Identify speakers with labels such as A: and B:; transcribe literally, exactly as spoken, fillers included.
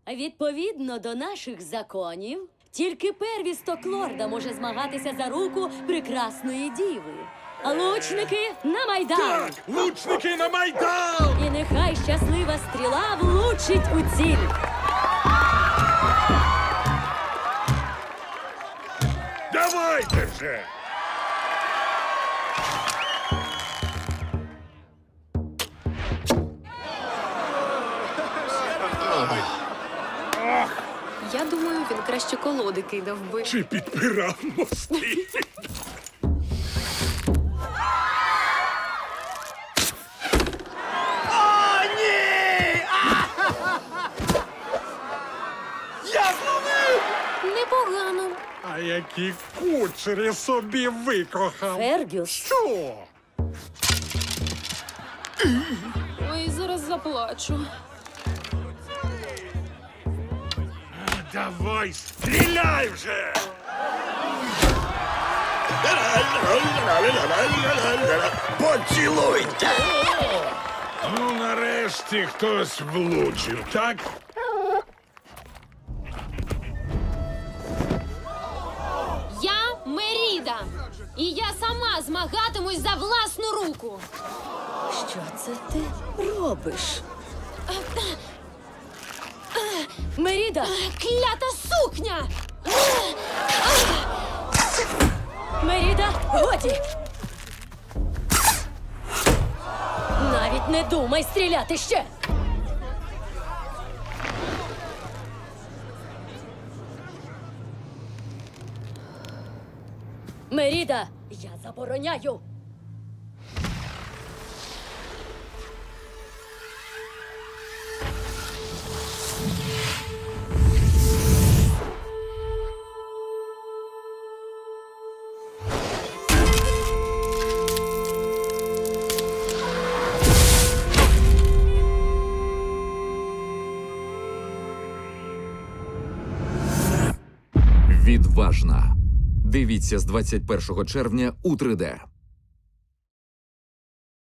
A: Відповідно до наших законів, тільки первісток лорда може змагатися за руку прекрасної діви. А лучники на Майдан!
B: Так, лучники на Майдан!
A: І нехай щаслива стріла влучить у ціль.
B: Давайте же!
C: Я думаю, він краще колоди кидав би.
B: Чи підпирав мости? О, ні! Я зловив!
C: Непогано.
B: А які кучері собі викохав!
A: Фергюс,
B: Що?
C: Ой, зараз заплачу.
B: Давай, стріляй вже!
D: Поцілуйте!
B: Ну, нарешті хтось влучив, так?
C: Я Меріда. І я сама змагатимусь за власну руку.
A: що це ти робиш? Меріда!
C: Клята сукня!
A: Меріда, годі! Навіть не думай стріляти ще! Меріда, я забороняю!
E: Відважна. Дивіться з двадцять першого червня у три де.